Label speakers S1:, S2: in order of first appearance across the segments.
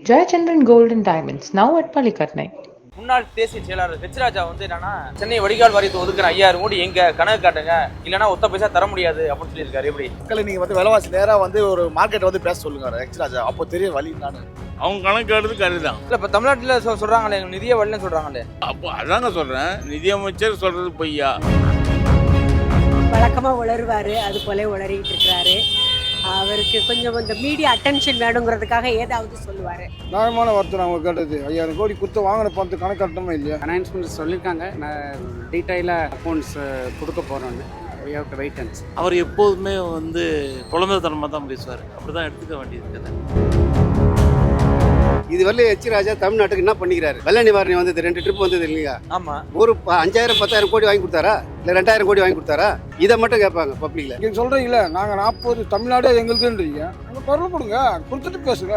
S1: Jayachandran Gold and Diamonds, now at Palikatnai.
S2: முன்னாள் தேசிய செயலாளர் ஹெச்ராஜா வந்து என்னன்னா சென்னை வடிகால் வாரியத்தை ஒதுக்குற 5000 கோடி எங்க கணக்கு காட்டுங்க, இல்லைன்னா ஒத்த பைசா தர முடியாது அப்படின்னு சொல்லியிருக்காரு. எப்படி
S3: மக்களை நீங்க வந்து விலைவாசி நேரா வந்து ஒரு மார்க்கெட் வந்து பேச சொல்லுங்க ஹெச்ராஜா, அப்போ தெரிய வழி நான்
S4: அவங்க கணக்கு எடுத்து கருதான்.
S2: இல்லை இப்போ தமிழ்நாட்டில் சொல்றாங்களே நிதிய வரலன்னு சொல்றாங்களே.
S4: அப்போ அதாங்க சொல்றேன், நிதியமைச்சர் சொல்றது பொய்யா?
S5: வழக்கமாக உளருவார், அது போல உளறிட்டு இருக்கிறாரு. அவருக்கு கொஞ்சம் இந்த மீடியா அட்டென்ஷன் வேணுங்கிறதுக்காக ஏதாவது சொல்லுவார்.
S6: நியாயமான வார்த்தை அவங்க கேட்டது. 5000 கோடி கொடுத்து வாங்கின பணத்து கணக்கு கட்டணுமா இல்லையா?
S7: அனௌன்ஸ்மெண்ட் சொல்லியிருக்காங்க, நான் டீட்டெயிலாக அக்கௌண்ட்ஸ் கொடுக்க போகிறோன்னு. Wait and see.
S8: அவர் எப்போதுமே வந்து குழந்தைத்தனமாக தான் பேசுவார், அப்படி தான் எடுத்துக்க வேண்டியது.
S9: இது வரல ஹெச்ராஜா தமிழ்நாட்டுக்கு என்ன பண்ணிக்கிறாரு? வெள்ள நிவாரணம் வந்தது, 2 ட்ரிப் வந்தது இல்லையா?
S2: ஆமா,
S9: ஒரு 5000 10000 கோடி வாங்கி கொடுத்தாரா இல்ல 2000 கோடி வாங்கி கொடுத்தாரா? இதை மட்டும் கேட்பாங்க பப்ளிக்ல.
S6: நீங்க சொல்றீங்களே நாங்க 40 தமிழ்நாடே எங்களுக்குன்றீங்க, அங்க குரல் கொடுங்க, கொடுத்துட்டு பேசுங்க.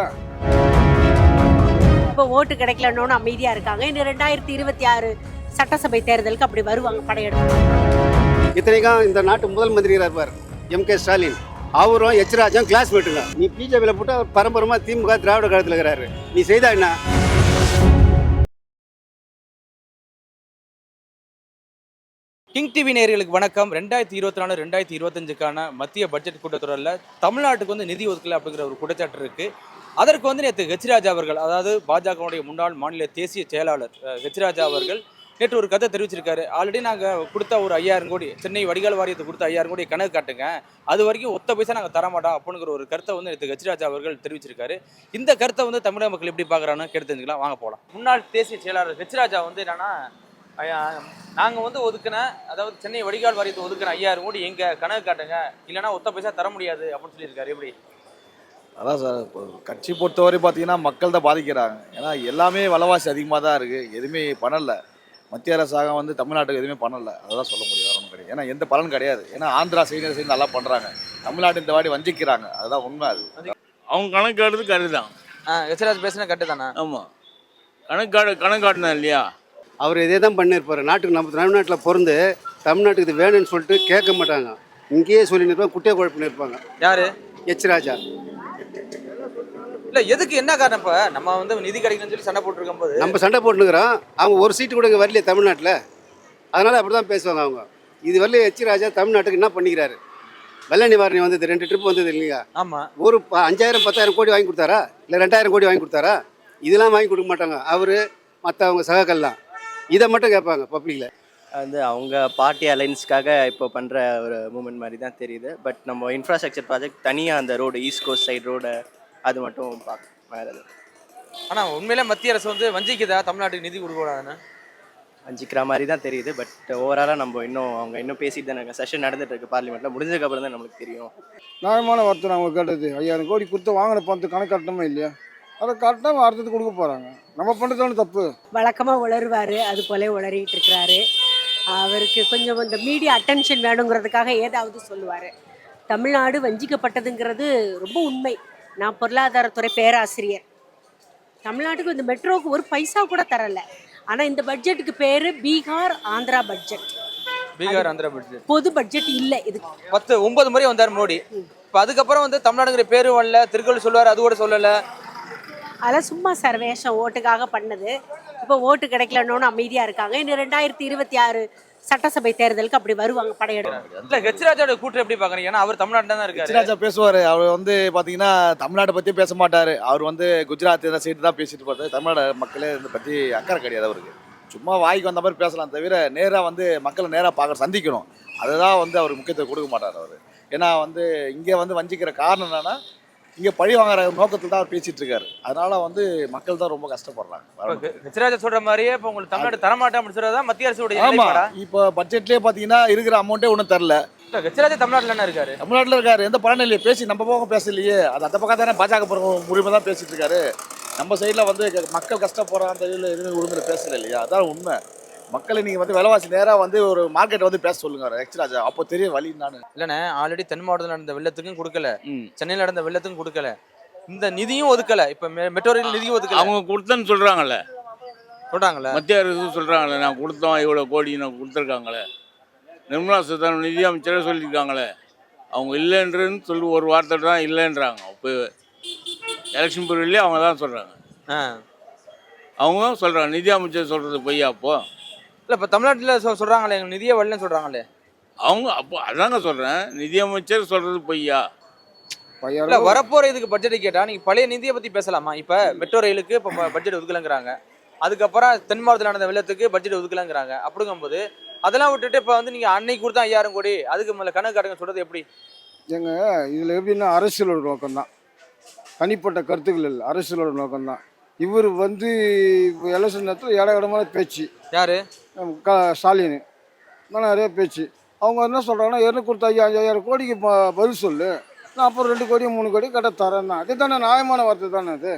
S5: இப்போ ஓட்டு கிடைக்கலன்னு அமைதியாக இருக்காங்க. இன்னும் 2026 சட்டசபை தேர்தலுக்கு அப்படி வருவாங்க படையெடுப்பு.
S9: இத்தனைக்கும் இந்த நாட்டு முதல் மந்திரியாக இருப்பார் M.K. ஸ்டாலின், அவரும் ஹெச்ராஜாவும் கிளாஸ்மேட்டுங்க. நீ பிஜேபியில் போட்டு அவர் பரம்பரமா திமுக திராவிட கழகத்தில் இருக்கிறாரு, நீ செய்தா என்ன?
S2: கிங் டிவி நேயர்களுக்கு வணக்கம். 2024 2025க்கான மத்திய பட்ஜெட் கூட்டத்தொடரில் தமிழ்நாட்டுக்கு வந்து நிதி ஒதுக்கல அப்படிங்கிற ஒரு குற்றச்சாட்டு இருக்கு. அதற்கு வந்து நேற்று ஹெச்ராஜா அவர்கள், அதாவது பாஜகவுடைய முன்னாள் மாநில தேசிய செயலாளர் ஹெச்ராஜா அவர்கள் நேற்று ஒரு கதை தெரிவிச்சிருக்காரு. ஆல்ரெடி நாங்கள் கொடுத்த ஒரு 5000 கோடி, சென்னை வடிகால் வாரியத்தை கொடுத்த 5000 கோடி கணக்கு காட்டுங்க, அது வரைக்கும் ஒத்த பைசா நாங்கள் தரமாட்டோம் அப்படிங்கிற ஒரு கருத்தை வந்து நேற்று ஹெச்ராஜா அவர்கள் தெரிவிச்சிருக்காரு. இந்த கருத்தை வந்து தமிழக மக்கள் எப்படி பார்க்குறான்னு கேட்டு தெரிஞ்சுக்கலாம், வாங்க போகலாம். முன்னாள் தேசிய செயலாளர் ஹெச்ராஜா வந்து என்னன்னா, நாங்கள் வந்து ஒதுக்கின, அதாவது சென்னை வடிகால் வாரியத்தை ஒதுக்கின 5000 கோடி எங்க கணக்கு காட்டுங்க, இல்லைன்னா ஒத்த பைசா தர முடியாது அப்படின்னு சொல்லியிருக்காரு. எப்படி?
S3: அதான் சார், இப்போ கட்சி பொறுத்தவரை பார்த்தீங்கன்னா மக்கள் தான் பாதிக்கிறாங்க. ஏன்னா எல்லாமே விலைவாசி அதிகமாக தான் இருக்குது, எதுவுமே பண்ணலை. மத்திய அரசாங்கம் வந்து தமிழ்நாட்டுக்கு எதுவுமே பண்ணலை, அதெல்லாம் சொல்ல முடியாது, ஒன்றும் கிடையாது. ஏன்னா எந்த பலன் கிடையாது. ஏன்னா ஆந்திரா சைடு நல்லா பண்ணுறாங்க, தமிழ்நாட்டு இந்த வாடி வஞ்சிக்கிறாங்க, அதுதான் உண்மை. அது
S4: அவங்க கணக்கு எடுத்து கருதான்.
S2: ஹெச்ராஜ் பேசினா கட்டு தானே?
S4: ஆமாம், கணக்கு காட்டினா இல்லையா?
S9: அவர் இதே தான் பண்ணியிருப்பார். நாட்டுக்கு நம்ம தமிழ்நாட்டில் பிறந்து தமிழ்நாட்டுக்கு இது வேணும்னு சொல்லிட்டு கேட்க மாட்டாங்க, இங்கேயே சொல்லி நிற்பாங்க, குட்டையை குழப்பின்னு இருப்பாங்க.
S2: யாரு?
S9: ஹெச்ராஜா.
S2: இல்லை, எதுக்கு என்ன காரணம்? இப்போ நம்ம வந்து நிதி கிடைக்கணும்னு சொல்லி சண்டை போட்டுருக்கும் போது
S9: நம்ம சண்டை போட்டுக்கிறோம், அவங்க ஒரு சீட்டு கூட இங்கே வரலையே தமிழ்நாட்டில், அதனால் அப்படி தான் பேசுவாங்க அவங்க. இது வரல ஹெச்ராஜா தமிழ்நாட்டுக்கு என்ன பண்ணிக்கிறாரு? வெள்ள நிவாரணம் வந்தது, 2 ட்ரிப் வந்தது இல்லையா?
S2: ஆமாம்.
S9: ஒரு 5000 10000 கோடி வாங்கி கொடுத்தாரா இல்லை 2000 கோடி வாங்கி கொடுத்தாரா? இதெல்லாம் வாங்கி கொடுக்க மாட்டாங்க அவர், மற்றவங்க சகாக்கள்லாம். இதை மட்டும் கேட்பாங்க பப்ளிக்கில்.
S10: வந்து அவங்க பார்ட்டி அலைன்ஸ்க்காக இப்போ பண்ணுற ஒரு மூமெண்ட் மாதிரி தான் தெரியுது. பட் நம்ம இன்ஃப்ராஸ்ட்ரக்சர் ப்ராஜெக்ட் தனியாக அந்த road, east coast side road, அது மட்டும் பார்க்க வேறு.
S2: ஆனால் உண்மையிலே மத்திய அரசு வந்து வஞ்சிக்குதா தமிழ்நாட்டுக்கு நிதி கொடுக்கூடாதுன்னு?
S10: வஞ்சிக்கிற மாதிரி தான் தெரியுது. பட் ஓவராலாக நம்ம அவங்க இன்னும் பேசிட்டு தான் செஷன் நடந்துட்டு இருக்கு பார்லிமெண்ட்டில். முடிஞ்சதுக்கப்புறம் தான் நம்மளுக்கு தெரியும்.
S6: நியாயமான வார்த்தை அவங்க கேட்டது. 5000 கோடி கொடுத்து வாங்கின பணத்து கணக்கு கட்டணுமா இல்லையா? அதை கரெக்டாக அடுத்தது கொடுக்க போகிறாங்க. நம்ம பண்ணுறதான தப்பு.
S5: வழக்கமாக உளருவார், அது போல உளறிட்டு இருக்கிறாரு. அவருக்கு கொஞ்சம் இந்த மீடியா அட்டென்ஷன் வேணுங்கிறதுக்காக ஏதாவது சொல்லுவார். தமிழ்நாடு வஞ்சிக்கப்பட்டதுங்கிறது ரொம்ப உண்மை. நான் பொருளாதாரத்துறை பேராசிரியர். தமிழ்நாட்டுக்கு இந்த மெட்ரோவுக்கு ஒரு பைசா கூட தரலை. ஆனால் இந்த பட்ஜெட்டுக்கு பேர் பீகார் ஆந்திரா பட்ஜெட்.
S2: பீகார் ஆந்திரா பட்ஜெட்
S5: பொது பட்ஜெட் இல்லை. இது
S2: 9 முறை வந்தார் மோடி. இப்போ அதுக்கப்புறம் வந்து தமிழ்நாடுங்கிற பேரும் வரல, திருக்குறள் சொல்லுவார், அது கூட சொல்லலை.
S5: அதெல்லாம் சும்மா சார், வேஷம், ஓட்டுக்காக பண்ணது. இப்போ ஓட்டு கிடைக்கலன்னு அமைதியாக இருக்காங்க. இன்னும் 2026 சட்டசபை தேர்தலுக்கு அப்படி வருவாங்க படையெடுப்பு.
S2: இல்லை, ஹெச்ராஜாவோட கூட்டம் எப்படி பார்க்குறீங்க? ஏன்னா அவர் தமிழ்நாட்டில் தான் இருக்காரு.
S3: ஹெச்ராஜா பேசுவார், அவர் வந்து பார்த்தீங்கன்னா தமிழ்நாட்டை பற்றியே பேச மாட்டார். அவர் வந்து குஜராத் சைடு தான் பேசிட்டு போகிறார். தமிழ்நாடு மக்களே இதை பற்றி அக்கறை கிடையாது அவருக்கு. சும்மா வாய்க்கு வந்த மாதிரி பேசலாம் தவிர நேராக வந்து மக்களை நேராக பார்க்க சந்திக்கணும், அதுதான் வந்து அவர் முக்கியத்துவம் கொடுக்க மாட்டார் அவர். ஏன்னா வந்து இங்கே வந்து வஞ்சிக்கிற காரணம் என்னன்னா, இங்கே பழி வாங்குற நோக்கத்தில் தான் அவர் பேசிட்டு இருக்காரு. அதனால வந்து மக்கள் தான் ரொம்ப கஷ்டப்படுறாங்க.
S2: ஹெச்ராஜா சொல்ற மாதிரியே இப்போ உங்களுக்கு தமிழ்நாடு தரமாட்டேன் அப்படின்னு சொல்றதா மத்திய அரசு?
S3: ஆமா, இப்போ பட்ஜெட்லேயே பார்த்தீங்கன்னா இருக்கிற அமௌண்ட்டே ஒன்றும் தரல.
S2: ஹெச்ராஜா தமிழ்நாட்டில் இருக்காரு.
S3: தமிழ்நாட்டில் இருக்காரு, எந்த பலனும் இல்லையே. பேசி நம்ம பக்கம் பேசலையே, அது அந்த பக்கம் தானே பாஜக உரிமை தான் பேசிட்டு இருக்காரு. நம்ம சைடில் வந்து மக்கள் கஷ்டப்படுற அந்த இதில் எதுவுமே உரிமையில் பேசல இல்லையா? அதான் உண்மை. மக்களை நீங்கள் வந்து விலைவாசி நேராக வந்து ஒரு மார்க்கெட் வந்து பேச சொல்லுங்க ஹெச்ராஜா, அப்போ தெரிய வழி. நான்
S2: இல்லைண்ணே, ஆல்ரெடி தென் மாவட்டத்தில் நடந்த வெள்ளத்துக்கும் கொடுக்கல, சென்னையில் நடந்த வெள்ளத்துக்கும் கொடுக்கல, இந்த நிதியும் ஒதுக்கல, இப்போ மெட்ரோ ரயில் நிதியும் ஒதுக்கல.
S4: அவங்க கொடுத்தேன்னு சொல்கிறாங்கல்ல,
S2: சொல்கிறாங்களே,
S4: மத்திய அரசு சொல்கிறாங்களே, நான் கொடுத்தோம், இவ்வளோ கோடி நான் கொடுத்துருக்காங்களே. நிர்மலா சீதாராமன் நிதி அமைச்சரே சொல்லியிருக்காங்களே, அவங்க இல்லைன்றன்னு சொல்லி ஒரு வார்த்தை தான் இல்லைன்றாங்க. இப்போ எலெக்ஷன் பீரியட்லேயே அவங்க தான் சொல்கிறாங்க.
S2: ஆ
S4: அவங்க தான் சொல்கிறாங்க நிதி அமைச்சர் சொல்கிறது பொய்யா அப்போ.
S2: இல்லை இப்போ தமிழ்நாட்டில் சொல்கிறாங்களே எங்களுக்கு நிதியே வரலன்னு சொல்கிறாங்களே.
S4: அவங்க அப்போ அதாங்க சொல்கிறேன், நிதி அமைச்சர் சொல்கிறது பொய்யா.
S2: இல்லை வரப்போகிற இதுக்கு பட்ஜெட் கேட்டால் நீங்கள் பழைய நிதியை பற்றி பேசலாமா? இப்போ மெட்ரோ ரயிலுக்கு இப்போ பட்ஜெட் ஒதுக்கலங்கிறாங்க, அதுக்கப்புறம் தென் மாவட்டத்தில் நடந்த வெள்ளத்துக்கு பட்ஜெட் ஒதுக்கலங்கிறாங்க. அப்படிங்கும்போது அதெல்லாம் விட்டுட்டு இப்போ வந்து நீங்கள் அன்னைக்கு கொடுத்தா 5000 கோடி அதுக்கு மேலே கணக்கு காட்டுங்க சொல்கிறது எப்படி?
S6: எங்க இதில் எப்படின்னா அரசியலோட நோக்கம்தான், தனிப்பட்ட கருத்துக்கள் இல்லை, அரசியலோட நோக்கம்தான். இவர் வந்து இப்போ எலெக்ஷன் நேரத்தில் இடமான பேச்சு
S2: யாரு?
S6: ஸ்டாலின் தான் நிறைய பேச்சு. அவங்க என்ன சொல்கிறாங்கன்னா என்ன கொடுத்த 5000 கோடிக்கு பதில் சொல்லு, நான் அப்புறம் 2 கோடி 3 கோடி கட்ட தரேன் தான். அது தானே நியாயமான வார்த்தை தானே அது.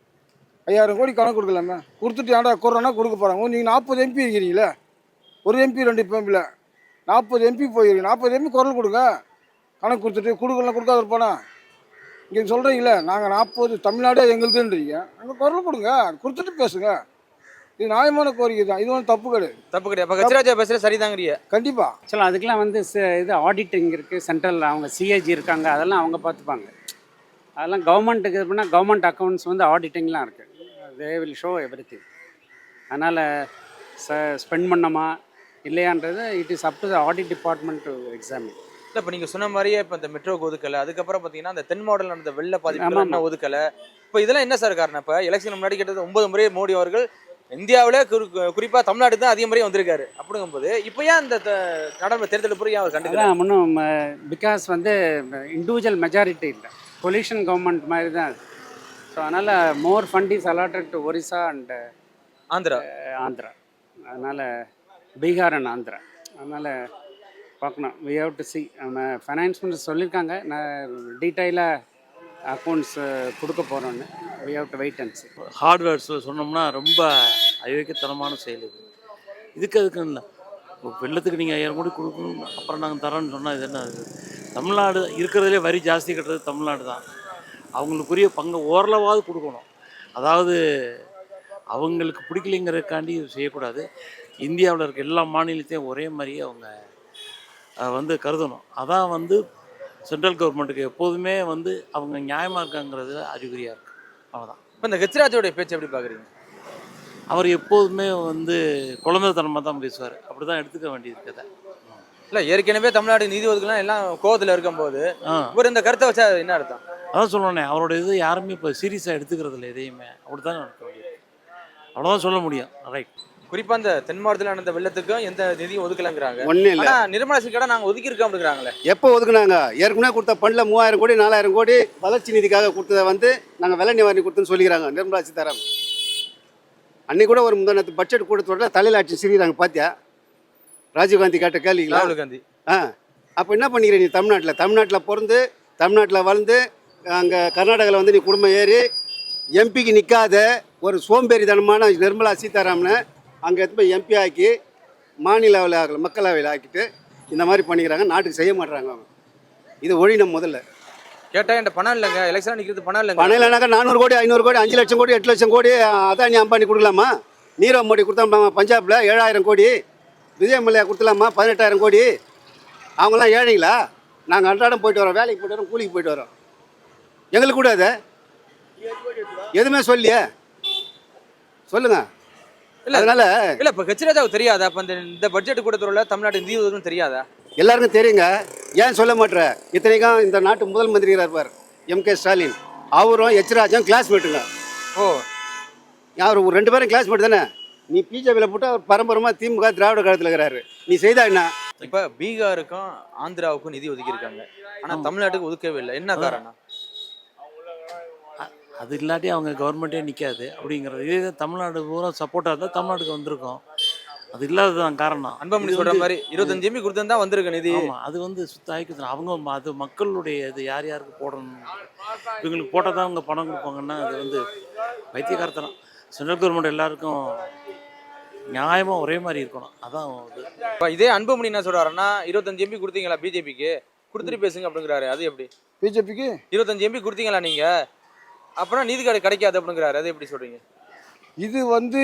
S6: 5000 கோடி கணக்கு கொடுக்கலாமே, கொடுத்துட்டு ஏன்டா குறோன்னா கொடுக்க போகிறாங்க. நீங்கள் 40 எம்பி இருக்கிறீங்களே, ஒரு எம்பி 2 எம்பியில் 40 எம்பி போயிருக்கீங்க, 40 எம்பி குரல் கொடுங்க. கணக்கு கொடுத்துட்டு கொடுக்கலாம் கொடுக்காத இருப்பானா? இங்கே சொல்கிறீங்களே நாங்கள் 40 தமிழ்நாடே எங்களுதுன்றீங்க, அங்கே குரல் கொடுங்க, கொடுத்துட்டு பேசுங்க. இது நியாயமான கோரிக்கை தான், இது ஒன்றும் தப்பு கிடையாது.
S2: தப்பு கிடையாது. இப்போ கச்சிராஜா பேசுகிற சரிதாங்கிறிய?
S6: கண்டிப்பாக.
S7: ஆக்சுவலாக அதுக்கெலாம் வந்து இது ஆடிட்டிங் இருக்குது, சென்ட்ரல் அவங்க சிஏஜி இருக்காங்க, அதெல்லாம் அவங்க பார்த்துப்பாங்க. அதெல்லாம் கவர்மெண்ட்டுக்கு இது பண்ணால் கவர்மெண்ட் அக்கௌண்ட்ஸ் வந்து ஆடிட்டிங்லாம் இருக்குது, தே வில் ஷோ எவ்ரிதிங். அதனால் ஸ்பெண்ட் பண்ணோமா இல்லையான்றது it is up to the audit department to examine.
S2: இல்லை இப்போ நீங்கள் சொன்ன மாதிரியே இப்போ இந்த மெட்ரோக்கு ஒதுக்கலை, அதுக்கப்புறம் பார்த்தீங்கன்னா அந்த தென் மாவட்டத்தில் நடந்த வெள்ள பாதிப்பு ஒதுக்கலை. இப்போ இதெல்லாம் என்ன சார் காரணம்? இப்போ எலெக்ஷன் முன்னாடி கிட்டத்தட்ட 9 முறை மோடி அவர்கள் இந்தியாவிலே குறிப்பாக தமிழ்நாடு தான் அதிக முறையே வந்திருக்காரு. அப்படிங்கும்போது இப்போ ஏன் இந்த நடைமுறை தேர்தல் புரிய அவர் கண்டுக்கலாம்
S7: ஒன்றும் பிகாஸ் வந்து இண்டிவிஜுவல் மெஜாரிட்டி இல்லை, பொலிஷன் கவர்மெண்ட் மாதிரி தான் அது. ஸோ அதனால் more fund is allotted to Orissa and Andhra. அதனால் பீகார் அண்ட் ஆந்திரா. அதனால் பார்க்கணும், வி ஹேவ் டு சி. நம்ம ஃபைனான்ஸ் மினிஸ்டர் சொல்லியிருக்காங்க, நான் டீட்டெயிலாக அக்கௌண்ட்ஸ் கொடுக்க போகிறோன்னு. We have to wait and see.
S8: ஹார்ட்வேர்ஸில் சொன்னோம்னா ரொம்ப அயோக்கியத்தனமான செயல் இது. அதுக்கு இல்லை, வெள்ளத்துக்கு நீங்கள் 5000 கோடி கொடுக்கணும் அப்புறம் நாங்கள் தரோன்னு சொன்னால் இது என்ன? அது தமிழ்நாடு இருக்கிறதுலே வரி ஜாஸ்தி கட்டுறது தமிழ்நாடு தான். அவங்களுக்குரிய பங்கு ஓரளவாவது கொடுக்கணும். அதாவது அவங்களுக்கு பிடிக்கலைங்கிறதுக்காண்டி செய்யக்கூடாது. இந்தியாவில் இருக்க எல்லா மாநிலத்தையும் ஒரே மாதிரியே அவங்க வந்து கருதணும். அதான் வந்து சென்ட்ரல் கவர்மெண்ட்டுக்கு எப்போதுமே வந்து அவங்க நியாயமாக இருக்காங்கிறது அறிகுறியாக இருக்குது. அவ்வளோதான்.
S2: இப்போ இந்த கச்சிராஜோடைய பேச்சு எப்படி பார்க்குறீங்க?
S8: அவர் எப்போதுமே வந்து குழந்தைத்தனமாக தான் பேசுவார், அப்படி தான் எடுத்துக்க வேண்டியது கதை.
S2: இல்லை ஏற்கனவே தமிழ்நாடு நிதி ஒதுக்கலாம் எல்லாம் கோவத்தில் இருக்கும்போது ஒரு இந்த கருத்தை வச்சா என்ன அர்த்தம்?
S8: அதான் சொல்லணே, அவரோட இது யாருமே இப்போ சீரியஸாக எடுத்துக்கிறது இல்லை எதையுமே, அப்படி தான் நடக்க வேண்டியது. அவ்வளோதான் சொல்ல முடியும். ரைட்.
S2: குறிப்பாக இந்த தென் மாவட்டத்தில் நடந்த வெள்ளத்துக்கும் எந்த நிதியும் ஒதுக்கலங்கிறாங்க.
S9: ஒன்றும் இல்லை,
S2: ஆனால் நிர்மலா சீக்கிரம் நாங்கள் ஒதுக்கியிருக்கோம் அப்படிங்கிறாங்களே.
S9: எப்போ ஒதுக்குனாங்க? ஏற்கனவே கொடுத்த ஃபண்டில் 3000 கோடி 4000 கோடி வளர்ச்சி நிதிக்காக கொடுத்ததை வந்து நாங்கள் வெள்ள நிவாரணி கொடுத்துன்னு சொல்லிக்கிறாங்க நிர்மலா சீதாராமன். அன்னைக்கு கூட ஒரு முந்தானத்து பட்ஜெட் கூட்டத்தோட தலையில் ஆட்சி சிரிக்கிறாங்க. பார்த்தியா ராஜீவ்காந்தி கேட்ட கேள்விங்களா?
S2: ராகுல் காந்தி.
S9: அப்போ என்ன பண்ணிக்கிற நீ? தமிழ்நாட்டில் பிறந்து தமிழ்நாட்டில் வளர்ந்து அங்கே கர்நாடகாவில் வந்து நீ குடும்பம் ஏறி எம்பிக்கு நிற்காத ஒரு சோம்பேறித்தனமான நிர்மலா சீதாராமனை அங்கே எடுத்து போய் எம்பி ஆக்கி மாநிலவில் ஆகல மக்களவையில் ஆக்கிட்டு இந்த மாதிரி பண்ணிக்கிறாங்க. நாட்டுக்கு செய்ய மாட்டுறாங்க அவங்க. இது ஒழினம் முதல்ல.
S2: கேட்டால் என்கிட்ட பணம் இல்லைங்க, எலெக்ஷன் நிற்கிறது பணம் இல்லைங்க.
S9: பணம் இல்லைனாக்கா 400 கோடி 500 கோடி 5 லட்சம் கோடி 8 லட்சம் கோடி அதானி அம்பானி கொடுக்கலாமா? நீரவ் மோடி கொடுத்தா பஞ்சாபில் 7000 கோடி, விஜய் மல்லையா கொடுத்துலாமா 18000 கோடி. அவங்களாம் ஏழைங்களா? நாங்கள் அன்றாடம் போயிட்டு வரோம், வேலைக்கு போய்ட்டு வரோம், கூலிக்கு போயிட்டு வரோம். எங்களுக்கு கூட அதை எதுவுமே சொல்லியே சொல்லுங்க.
S2: இல்லை அதனால இல்லை இப்போ கச்சிராஜாவுக்கு தெரியாதா? இப்போ இந்த பட்ஜெட் கூட்டத்தொடரில் தமிழ்நாடு நிதி ஒதுக்குன்னு தெரியாதா?
S9: எல்லாருக்கும் தெரியுங்க, ஏன் சொல்ல மாட்டேற? இத்தனைக்கும் இந்த நாட்டு முதல் மந்திரியாக இருப்பார் எம்.கே. ஸ்டாலின், அவரும் எச்ராஜும் கிளாஸ்மேட்டுங்க.
S2: ஓ,
S9: அவர் 2 பேரும் கிளாஸ்மேட் தானே. நீ பிஜேபியில் போட்டு அவர் பரம்பரமாக திமுக திராவிட காலத்தில் இருக்கிறாரு. நீ செய்தா என்ன?
S2: இப்போ பீகாருக்கும் ஆந்திராவுக்கும் நிதி ஒதுக்கியிருக்காங்க, ஆனால் தமிழ்நாட்டுக்கு ஒதுக்கவே இல்லை. என்ன காரணம்?
S8: அது இல்லாட்டி அவங்க கவர்மெண்ட்டே நிற்காது அப்படிங்கிறது. இதே தமிழ்நாடு பூரா சப்போர்ட்டாக இருந்தால் தமிழ்நாட்டுக்கு வந்திருக்கும். அது இல்லாததான் காரணம்.
S2: அன்பமணி சொல்கிற மாதிரி 25 எம்பி கொடுத்தா வந்திருக்கு நிதி.
S8: ஆமாம், அது வந்து சுத்தாய்க்கு அவங்க அது மக்களுடைய இது யார் யாருக்கு போடணும், இவங்களுக்கு போட்டால் தான் அவங்க பணம் கொடுப்பாங்கன்னா அது வந்து வைத்தியகாரத்தனம். சென்ட்ரல் கவர்மெண்ட் எல்லாருக்கும் நியாயமாக ஒரே மாதிரி இருக்கணும். அதான் இது.
S2: இப்போ இதே அன்பமணி என்ன சொல்கிறாருன்னா 25 எம்பி கொடுத்தீங்களா பிஜேபிக்கு, கொடுத்துட்டு பேசுங்க அப்படிங்கிறாரு. அது எப்படி?
S6: பிஜேபிக்கு
S2: 25 எம்பி கொடுத்தீங்களா நீங்கள், அப்புறம் நீதி கிடைக்காது அப்படிங்கிறாரு. அது எப்படி சொல்கிறீங்க?
S6: இது வந்து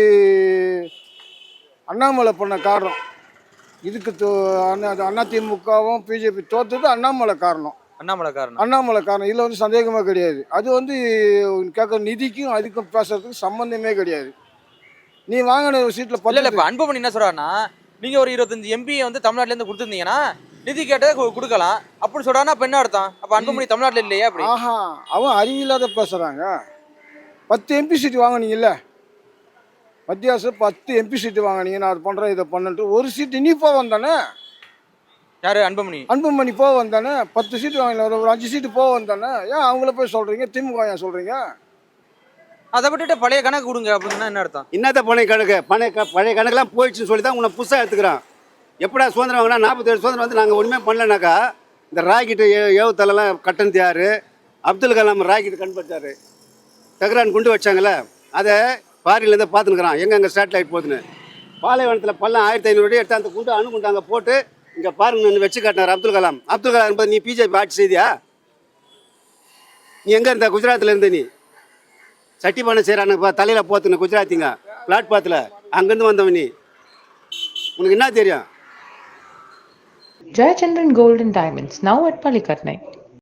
S6: அண்ணாமலை பண்ண காரணம். இதுக்கு அதிமுகவும் பிஜேபி தோற்றது அண்ணாமலை காரணம்.
S2: அண்ணாமலை காரணம்.
S6: அண்ணாமலை காரணம். இதில் வந்து சந்தேகமே கிடையாது. அது வந்து கேட்குற நிதிக்கும் அதுக்கும் பேசுறதுக்கு சம்மந்தமே கிடையாது. நீ வாங்கின ஒரு சீட்டில்
S2: இல்ல இல்ல,
S6: பத்து
S2: இப்ப அன்புமணி என்ன சொல்றாருன்னா, நீங்க ஒரு 25 எம்பி வந்து தமிழ்நாட்டுல இருந்து கொடுத்துருந்தீங்கன்னா நிதி கேட்டதை கொடுக்கலாம் அப்படின்னு சொல்றாருன்னா அப்ப என்ன அர்த்தம்? அப்ப அன்புமணி தமிழ்நாட்டுல இல்லையா அப்படி?
S6: ஆஹா, அவன் அறிவில்லாத பேசுகிறாங்க. 10 எம்பி சீட்டு வாங்கினீங்கல்ல, மத்திய அரசு 10 எம்பி சீட்டு வாங்கினீங்க, நான் அது பண்ணுறேன் இதை பண்ணுன்ட்டு ஒரு சீட்டு நீ போக வந்தானே.
S2: யாரு? அன்புமணி.
S6: அன்புமணி போக வந்தானே. 10 சீட்டு வாங்கல, ஒரு 5 சீட்டு போக வந்தானே. ஏன் அவங்கள போய் சொல்கிறீங்க? திமுக ஏன் சொல்கிறீங்க?
S2: அதை விட்டுட்டு பழைய கணக்கு கொடுங்க அப்படின்னா என்ன அர்த்தம்?
S9: என்னத்த பழைய கணக்கு பழைய கணக்கெல்லாம் போயிடுச்சுன்னு சொல்லி தான் உன்னை புதுசாக எடுத்துக்கிறான். எப்படா சுதந்திரம் வாங்கினா 47 சுதந்திரம் வந்து நாங்கள் ஒன்றுமே பண்ணலனாக்கா இந்த ராக்கெட்டு ஏவுதலெல்லாம் கட்டணத்து யார்? அப்துல் கலாம் ராக்கெட்டு கண்டுபிடிச்சாரு. தகரான் குண்டு வச்சாங்களே, அதை ஃபாரின்லேருந்து பார்த்துனுக்குறான் எங்கே சேட்டலைட் போகுதுன்னு. பாலைவனத்தில் பள்ளம் 1500 அடி எடுத்து அந்த குண்டு அணுகுண்டு அங்கே போட்டு இங்கே பாருங்க வச்சு காட்டினார் அப்துல் கலாம். அப்துல் கலாம் என்பது நீ பிஜேபி ஆட்சி செய்தியா? நீ எங்கே இருந்த? குஜராத்தில் இருந்த நீ சட்டி பண்ண செய்கிறானுப்பா தலையில் போத்துன குஜராத்திங்க பிளாட்பாத்தில் அங்கேருந்து வந்தவன் நீ. உனக்கு என்ன தெரியும்?
S1: Jayachandran Gold and Diamonds, now at Palikatnai.